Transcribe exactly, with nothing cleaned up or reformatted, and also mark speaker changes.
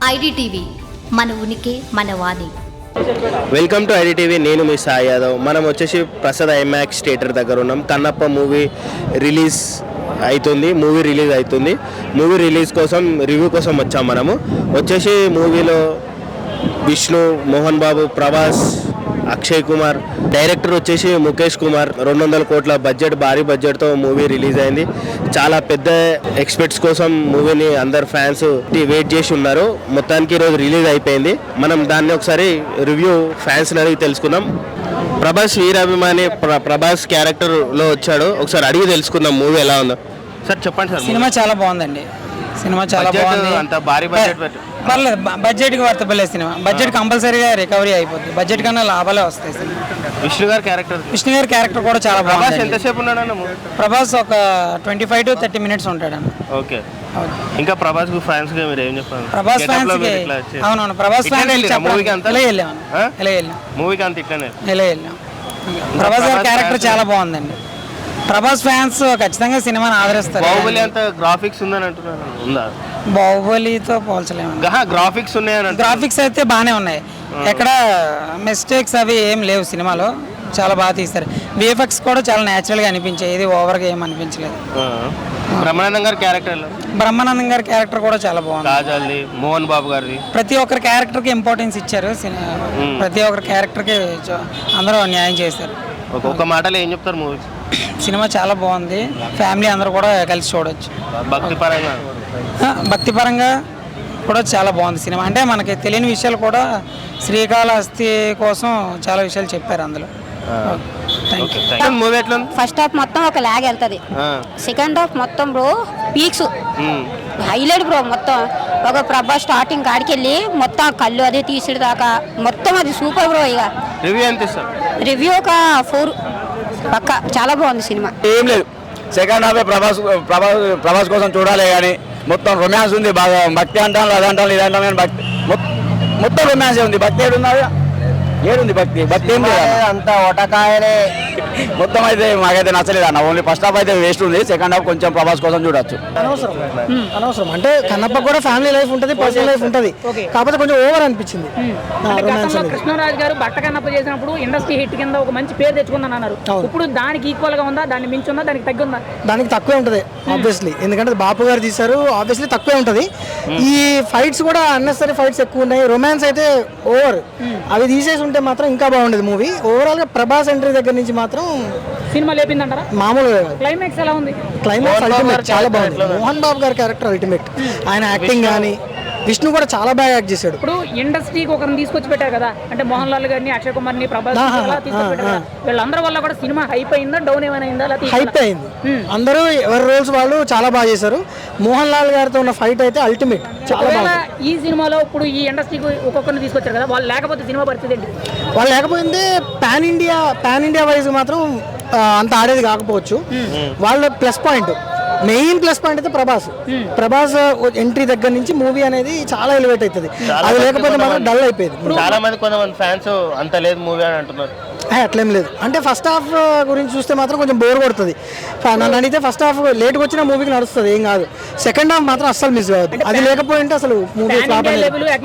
Speaker 1: IDTV మన ఉనికి మన వాణి.
Speaker 2: Welcome to IDTV. నేను మీ సాయి యాదవ్. మనం వచ్చేసి ప్రసాద్ ఐమాక్స్ థియేటర్ దగ్గర ఉన్నాం. కన్నప్ప మూవీ రిలీజ్ అవుతుంది మూవీ రిలీజ్ అవుతుంది మూవీ రిలీజ్ కోసం రివ్యూ కోసం వచ్చాం. మనము వచ్చేసి మూవీలో విష్ణు, మోహన్ బాబు, ప్రభాస్, అక్షయ్ కుమార్, డైరెక్టర్ వచ్చేసి ముఖేష్ కుమార్. రెండు వందల కోట్ల బడ్జెట్, భారీ బడ్జెట్తో మూవీ రిలీజ్ అయింది. చాలా పెద్ద ఎక్స్పెక్ట్స్ కోసం మూవీని అందరు ఫ్యాన్స్ వెయిట్ చేసి ఉన్నారు. మొత్తానికి ఈరోజు రిలీజ్ అయిపోయింది. మనం దాన్ని ఒకసారి రివ్యూ ఫ్యాన్స్ అడిగి తెలుసుకుందాం. ప్రభాస్ వీరాభిమాని ప్ర ప్రభాస్ క్యారెక్టర్లో వచ్చాడు. ఒకసారి అడిగి తెలుసుకుందాం మూవీ ఎలా ఉందో. సార్ చెప్పండి సార్.
Speaker 3: సినిమా చాలా బాగుందండి. సినిమా చాలా బాగుంది.
Speaker 2: అంత భారీ బడ్జెట్
Speaker 3: పర్లేదు, బడ్జెట్కి వర్తపలేదు సినిమా. బడ్జెట్ కంపల్సరీగా రికవరీ అయిపోద్ది. బడ్జెట్ కన్నా లాభాలే వస్తాయి సినిమా.
Speaker 2: విష్ణు గారి క్యారెక్టర్
Speaker 3: విష్ణు గారి క్యారెక్టర్ కూడా చాలా బాగుంది.
Speaker 2: ఎంతసేపు ఉన్నాడన్న?
Speaker 3: ప్రభాస్ ఒక twenty five to thirty minutes ఉంటాడన్న.
Speaker 2: ఓకే. ఇంకా ప్రభాస్ ఫ్యాన్స్ గా మీరు ఏం చెప్పారు?
Speaker 3: ప్రభాస్ ఫ్యాన్స్ కి అవునవును ప్రభాస్ ఫ్యాన్స్
Speaker 2: మూవీకి అంతా
Speaker 3: ఇలా వెళ్ళాం ఇలా వెళ్ళాం
Speaker 2: మూవీకి అంత ఇట్లానే
Speaker 3: ఇలా వెళ్ళాం. ప్రభాస్ గారి క్యారెక్టర్ చాలా బాగుందండి. ప్రభాస్ ఫ్యాన్స్ ఖచ్చితంగా సినిమాని ఆదరిస్తారు.
Speaker 2: బాహుబలి అంత గ్రాఫిక్స్ ఉందని అంటున్నారు. ఉందా?
Speaker 3: బాహుబలితో పోల్చలేము.
Speaker 2: గ్రాఫిక్స్ ఉన్నాయని.
Speaker 3: గ్రాఫిక్స్ అయితే బాగానే ఉన్నాయి. ఎక్కడ మిస్టేక్స్ అవి ఏం లేవు సినిమాలో. చాలా బాగా తీస్తారు. విఎఫ్ఎక్స్ కూడా చాలా న్యాచురల్గా అనిపించాయి. ఇది ఓవర్గా ఏం అనిపించలేదు.
Speaker 2: బ్రహ్మానందం గారి క్యారెక్టర్
Speaker 3: బ్రహ్మానందం గారి క్యారెక్టర్ కూడా చాలా బాగుంది.
Speaker 2: కాజల్ది, మోహన్ బాబు గారిది,
Speaker 3: ప్రతి ఒక్కరి క్యారెక్టర్కి ఇంపార్టెన్స్ ఇచ్చారు. ప్రతి ఒక్కరి క్యారెక్టర్కి అందరూ న్యాయం చేశారు.
Speaker 2: ఒక మాటలో ఏం చెప్తారు మూవీ?
Speaker 3: సినిమా చాలా బాగుంది. ఫ్యామిలీ అందరూ కూడా కలిసి చూడవచ్చు.
Speaker 2: భక్తి పరంగా
Speaker 3: భక్తి పరంగా కూడా చాలా బాగుంది సినిమా. అంటే మనకి తెలియని విషయాలు కూడా శ్రీకాళహస్తి కోసం చాలా విషయాలు చెప్పారు అందులో.
Speaker 4: ఫస్ట్ హాఫ్ మొత్తం ఒక లాగ్ వెళ్తుంది. సెకండ్ హాఫ్ మొత్తం బ్రో పీక్స్ హైలైట్ బ్రో. మొత్తం ఒక ప్రభా స్టార్టింగ్ కాడికి వెళ్ళి మొత్తం కళ్ళు అది తీసిడు దాకా మొత్తం అది సూపర్ బ్రో. ఇక
Speaker 2: రివ్యూ ఎంత?
Speaker 4: రివ్యూ ఒక ఫోర్ పక్క. చాలా బాగుంది సినిమా.
Speaker 5: ఏం లేదు, సెకండ్ హాఫ్ ప్రభాస్ ప్రభాస్ ప్రభాస్ కోసం చూడాలి. కానీ మొత్తం రొమాన్స్ ఉంది బాగా. భక్తి అంటాను, అదంటాను, ఇదంటాను, కానీ భక్తి మొత్తం రొమాన్స్ ఉంది. భక్తి ఏడున్నది? ఏడుంది భక్తి? భక్తి ఏం లేదు, అంతా ఒటకాయనే మొత్తం. అయితే మాకైతే నచ్చలేదు అన్న. ఓన్లీ ఫస్ట్ హాఫ్ అయితే వేస్ట్ ఉంది. సెకండ్ హాఫ్ కొంచెం ప్రభాస్ కోసం చూడొచ్చు.
Speaker 6: అనవసరం అనవసరం అంటే కన్నప్ప కూడా ఫ్యామిలీ లైఫ్ ఉంటుంది, పర్సనల్ లైఫ్ ఉంటుంది. కాకపోతే కొంచెం ఓవర్ అనిపించింది.
Speaker 7: కృష్ణరాజు గారు బట్ట కన్నప్ప చేసినప్పుడు ఇండస్ట్రీ హిట్ కింద ఒక మంచి పేరు తెచ్చుకుందని అన్నారు. ఇప్పుడు దానికి ఈక్వల్ గా ఉందా? దాన్ని మించి ఉందా? దానికి తగ్గి ఉందా?
Speaker 6: దానికి తక్కువే ఉంటుంది ఆబ్వియస్లీ. ఎందుకంటే బాపు గారు తీశారు, ఆబ్వియస్లీ తక్కువే ఉంటుంది. ఈ ఫైట్స్ కూడా అన్నెసరీ ఫైట్స్ ఎక్కువ ఉన్నాయి. రొమాన్స్ అయితే ఓవర్. అవి తీసేసి ఉంటే మాత్రం ఇంకా బాగుండేది మూవీ. ఓవరాల్ గా ప్రభాస్ ఎంట్రీ దగ్గర నుంచి మాత్రం
Speaker 7: సినిమా లేపిందంటారా?
Speaker 6: మామూలుగా.
Speaker 7: క్లైమాక్స్ ఎలా ఉంది?
Speaker 6: క్లైమాక్స్ అల్టిమేట్, చాలా బాగుంది. మోహన్ బాబు గారి క్యారెక్టర్ అల్టిమేట్. ఆయన యాక్టింగ్ కానీ, విష్ణు కూడా చాలా బాగా యాక్ట్ చేశాడు.
Speaker 7: ఇప్పుడు ఇండస్ట్రీకి ఒకరిని తీసుకొచ్చి పెట్టారు కదా, అంటే మోహన్ లాల్ గారిని, అక్షయ్ కుమార్ ని, ప్రభాస్ వీళ్ళందరి వల్ల కూడా సినిమా హైప్ అయిందా, డౌన్ ఏమైనా అయిందా?
Speaker 6: హైప్ అయింది. అందరూ ఎవరి రోల్స్ వాళ్ళు చాలా బాగా చేశారు. మోహన్ లాల్ గారితో ఉన్న ఫైట్ అయితే అల్టిమేట్, చాలా బాగా.
Speaker 7: ఈ సినిమాలో ఇప్పుడు ఈ ఇండస్ట్రీకి ఒక్కొక్కరిని తీసుకొచ్చారు కదా, వాళ్ళు లేకపోతే సినిమా పరిస్థితి ఏంటి?
Speaker 6: వాళ్ళు లేకపోతే pan India pan India wise మాత్రం అంత ఆడేది కాకపోవచ్చు. వాళ్ళ plus point, main plus point అయితే ప్రభాస్. ప్రభాస్ ఎంట్రీ దగ్గర నుంచి మూవీ అనేది చాలా ఎలివేట్ అవుతుంది. అది లేకపోతే మాత్రం డల్ అయిపోయింది.
Speaker 2: చాలా మంది కొంతమంది ఫ్యాన్స్ అంత లేదు మూవీ అని అంటున్నారు.
Speaker 6: అట్లేం లేదు. అంటే ఫస్ట్ హాఫ్ గురించి చూస్తే మాత్రం కొంచెం బోర్ కొడుతుంది. నన్ను అడిగితే ఫస్ట్ హాఫ్ లేట్గా వచ్చిన మూవీకి నడుస్తుంది, ఏం కాదు. సెకండ్ హాఫ్ మాత్రం అస్సలు మిస్ కావద్దు. అది లేకపోయింటే అసలు మూవీ ఫ్లాప్ అయ్యేది.